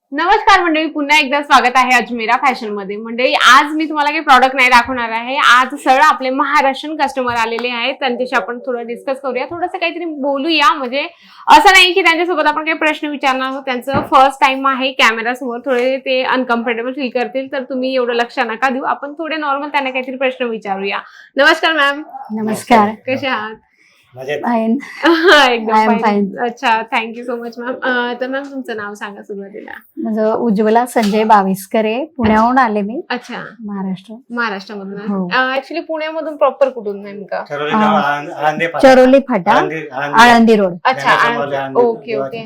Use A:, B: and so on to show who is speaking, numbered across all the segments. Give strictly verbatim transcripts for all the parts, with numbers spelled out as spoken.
A: नमस्कार मंडळी, पुन्हा एकदा स्वागत आहे अजमेरा फॅशन मध्ये. मंडळी, आज मी तुम्हाला काही प्रॉडक्ट नाही दाखवणार आहे. आज सरळ आपले महाराष्ट्रीयन कस्टमर आलेले आहेत, त्यांच्याशी आपण थोडं डिस्कस करूया, थोडंसं काहीतरी बोलूया. म्हणजे असं नाही की त्यांच्यासोबत आपण काही प्रश्न विचारणार आहोत. त्यांचं फर्स्ट टाइम आहे कॅमेरा समोर, थोडे ते अनकम्फर्टेबल फील करतील, तर तुम्ही एवढं लक्ष नका देऊ. आपण थोडे नॉर्मल त्यांना काहीतरी प्रश्न विचारूया. नमस्कार मॅम.
B: नमस्कार.
A: कसे आहात?
B: फाईन.
A: एकदम फाईन. अच्छा, थँक्यू सो मच मॅम. तर मॅम तुमचं नाव सांगा सुरुवातीला.
B: माझं उज्ज्वला संजय बाविस्कर आहे, पुण्याहून आले मी.
A: अच्छा,
B: महाराष्ट्र
A: महाराष्ट्रामधून. ऍक्च्युली पुण्यामधून प्रॉपर कुठून नेमका?
B: चरोली फाटा, आळंदी रोड.
A: अच्छा, ओके ओके.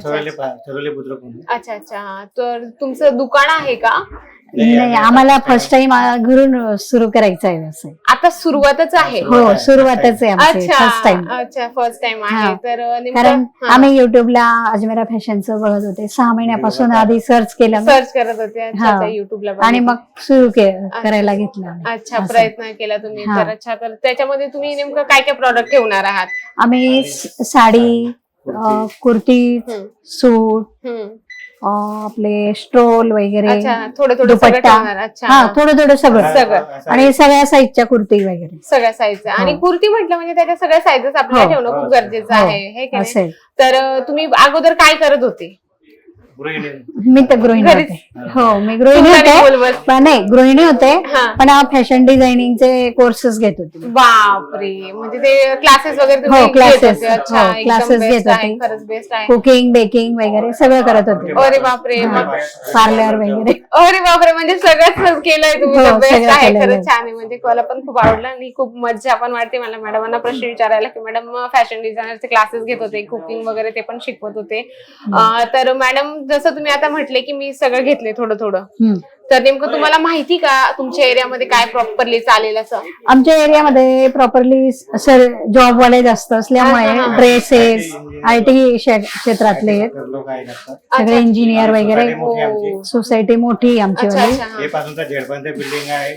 A: अच्छा अच्छा. तर तुमचं दुकान आहे का?
B: नाही, आम्हाला फर्स्ट टाइम घरून सुरू करायचं आहे व्यवसाय.
A: आता सुरुवातच आहे?
B: हो, सुरुवातच आहे आमची, फर्स्ट टाइम.
A: अच्छा, फर्स्ट टाइम आहे. तर
B: कारण आम्ही युट्यूबला अजमेरा फॅशनचं बघत होते, सहा महिन्यापासून आधी सर्च केलं,
A: सर्च करत होते युट्यूबला,
B: आणि मग सुरू करायला घेतलं.
A: अच्छा, प्रयत्न केला तुम्ही. तर अच्छा, तर त्याच्यामध्ये तुम्ही नेमकं काय काय प्रॉडक्ट ठेवणार आहात?
B: आम्ही साडी, कुर्ती, सूट, आपले स्ट्रोल वगैरे,
A: थोडं थोडं
B: दुपट्टा, हा थोडं थोडं सगळं
A: सगळं,
B: आणि सगळ्या साईजच्या कुर्ती वगैरे,
A: सगळ्या साईजच्या. आणि कुर्ती म्हटलं म्हणजे त्याच्या सगळ्या साईजेस आपल्याला ठेवणं खूप गरजेचं आहे, हे की नाही? तर तुम्ही अगोदर काय करत होते?
B: मी तर गृहिणी होते. हो, मी गृहिणी होते. नाही, गृहिणी होते, पण फॅशन डिझायनिंगचे कोर्सेस घेत होते.
A: बापरे, म्हणजे ते क्लासेस वगैरे?
B: हो, क्लासेस क्लासेस घेत होते.
A: खरंच बेस्ट आहे.
B: कुकिंग, बेकिंग वगैरे सगळं करत होते.
A: अरे बापरे.
B: पार्लर वगैरे.
A: अरे बापरे, म्हणजे सगळंच केलंय तुम्ही. बेस्ट आहे, खरंच छान आहे. म्हणजे मला पण खूप आवडलं आणि खूप मज्जा पण वाटते मला मॅडमांना प्रश्न विचारायला, की मॅडम फॅशन डिझायनरचे क्लासेस घेत होते, कुकिंग वगैरे ते पण शिकवत होते. तर मॅडम, जसं तुम्ही आता म्हटले की मी सगळं घेतले थोडं थोडं, तर नेमकं तुम्हाला माहिती का तुमच्या एरियामध्ये काय प्रॉपरली चालेल असं?
B: आमच्या एरियामध्ये प्रॉपरली सर जॉब वाले जास्त असल्यामुळे ड्रेसेस, आय टी क्षेत्रातले सगळे इंजिनियर वगैरे, सोसायटी मोठी आमची वाली.
C: बिल्डिंग आहे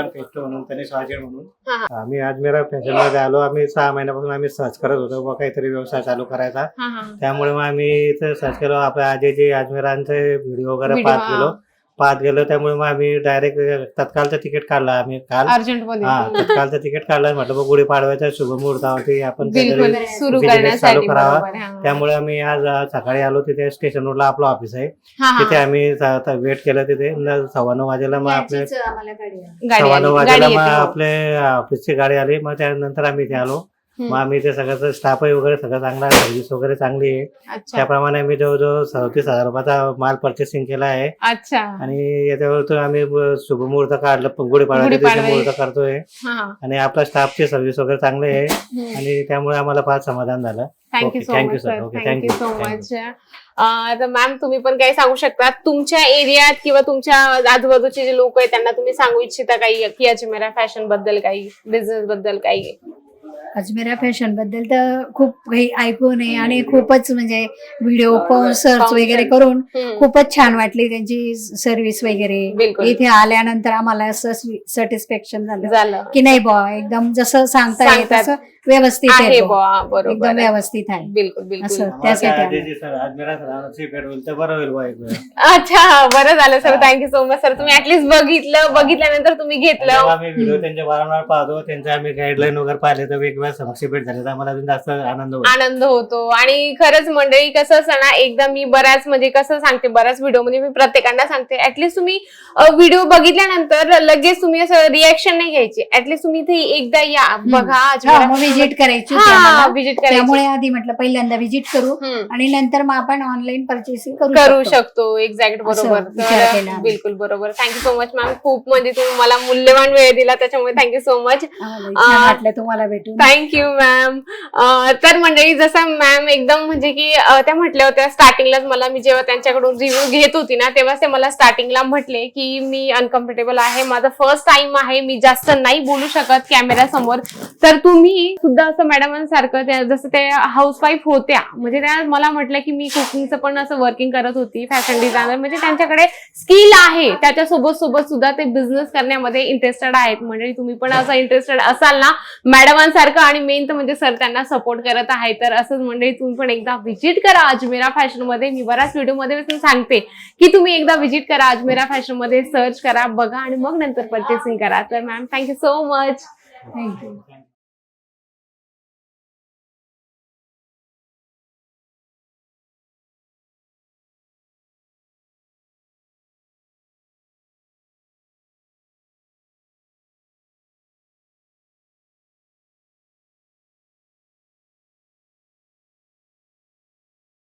C: म्हणून. आम्ही अजमेरा फॅशन मध्ये आलो. आम्ही सहा महिन्यापासून आम्ही सर्च करत होतो काहीतरी व्यवसाय चालू करायचा, त्यामुळे मग आम्ही इथे सर्च केलो. आपल्या आजीचे अजमेरांचे व्हिडिओ वगैरे पाहत गेलो पाहत गेलो त्यामुळे मग आम्ही डायरेक्ट तत्कालचं तिकीट काढलं. आम्ही काल हा तत्कालचं तिकीट काढलं. म्हटलं मग गुढीपाडव्याच्या शुभमुहूर्तावरती आपण बिझनेस चालू करावा. त्यामुळे आम्ही आज सकाळी आलो. तिथे स्टेशन रोडला आपलं ऑफिस आहे, तिथे आम्ही वेट केलं. तिथे सव्वा नऊ वाजेला मग आपले सव्वा नऊ वाजेला मग आपले ऑफिसची गाडी आली. मग त्यानंतर आम्ही इथे आलो. मग आम्ही ते सगळं स्टाफ वगैरे सगळं चांगला, सर्व्हिस वगैरे चांगली आहे. त्याप्रमाणे आम्ही जवळजवळ सदतीस हजार रुपयाचा माल परचेसिंग केला आहे.
A: अच्छा.
C: आणि याच्यावर आम्ही शुभमुहूर्त काढलं, गुढीपाडव्याचा मुहूर्त करतोय. आणि आपला स्टाफची सर्व्हिस वगैरे चांगली आहे, आणि त्यामुळे आम्हाला फार समाधान झालं.
A: Thank you so much sir. Thank you so much. तर मॅम, तुम्ही पण काही सांगू शकता तुमच्या एरियात किंवा तुमच्या आजूबाजूचे जे लोक आहेत त्यांना तुम्ही सांगू इच्छिता काही, की अजमेरा फॅशन बद्दल काही, बिझनेस बद्दल काही?
B: अजमेरा फॅशन बद्दल तर खूप काही ऐकून आहे, आणि खूपच म्हणजे व्हिडिओ पाहून सर्च वगैरे करून खूपच छान वाटली त्यांची सर्व्हिस वगैरे. इथे आल्यानंतर आम्हाला असं सॅटिस्फॅक्शन झालं की नाही बुवा, एकदम जसं सांगता येत तसं व्यवस्थित आहे, एकदम व्यवस्थित आहे.
A: बिलकुल बिलकुल. अच्छा, बरं झालं sir. Thank you so much sir. तुम्ही ऍटलीस्ट बघितलं, बघितल्यानंतर तुम्ही घेतलं.
C: आम्ही व्हिडिओ त्यांचे वारंवार पाहतो, त्यांचे आम्ही गाईडलाईन वगैरे पाहिले तर वेगवेगळ्या समस्या भेट झाल्या, आम्हाला जास्त आनंद होतो
A: आनंद होतो. आणि खरंच मंडळी, कसं असं ना, एकदा मी बऱ्याच म्हणजे कसं सांगते, बऱ्याच व्हिडिओ मध्ये मी प्रत्येकांना सांगते, ऍटलीस्ट तुम्ही व्हिडिओ बघितल्यानंतर लगेच तुम्ही असं रिॲक्शन नाही घ्यायची. ऍटलीस्ट तुम्ही इथे एकदा या, बघा,
B: विजिट करायची.
A: विजिट करायची.
B: त्यामुळे आधी म्हटलं पहिल्यांदा विजिट करू, आणि नंतर मग आपण ऑनलाईन परचेसिंग
A: करू शकतो. एक्झॅक्ट, बरोबर. बिलकुल बरोबर. Thank you so much ma'am. खूप म्हणजे तुम्ही मला मूल्यवान वेळ दिला, त्याच्यामुळे थँक्यू सो मच.
B: वाटलं तुम्हाला भेटून.
A: Thank you ma'am. तर मंडळी, जसं मॅम एकदम म्हणजे की त्या म्हटल्या होत्या स्टार्टिंगलाच, मला मी जेव्हा त्यांच्याकडून रिव्ह्यू घेत होती ना, तेव्हा ते मला स्टार्टिंगला म्हटले की मी अनकम्फर्टेबल आहे, माझा फर्स्ट टाइम आहे, मी जास्त नाही बोलू शकत कॅमेरा समोर, तर तुम्ही सुद्धा असं मॅडमांसारखं त्या जसं ते हाऊसवाईफ होत्या, म्हणजे त्या मला म्हटलं की मी कुकिंगचं पण असं वर्किंग करत होती, फॅशन डिझायनर, म्हणजे त्यांच्याकडे स्किल आहे, त्याच्यासोबत सोबत सुद्धा ते बिझनेस करण्यामध्ये इंटरेस्टेड आहेत. म्हणजे तुम्ही पण असं इंटरेस्टेड असाल ना मॅडमांसारखं, आणि मेन तर म्हणजे सर त्यांना सपोर्ट करत आहे, तर असंच म्हणजे तुम्ही पण एकदा व्हिजिट करा अजमेरा फॅशन मध्ये. मी बऱ्याच व्हिडिओ मध्ये सांगते की तुम्ही एकदा व्हिजिट करा अजमेरा फॅशन मध्ये, सर्च करा, बघा आणि मग नंतर परचेसिंग करा. तर ma'am thank you so much.
B: Thank you.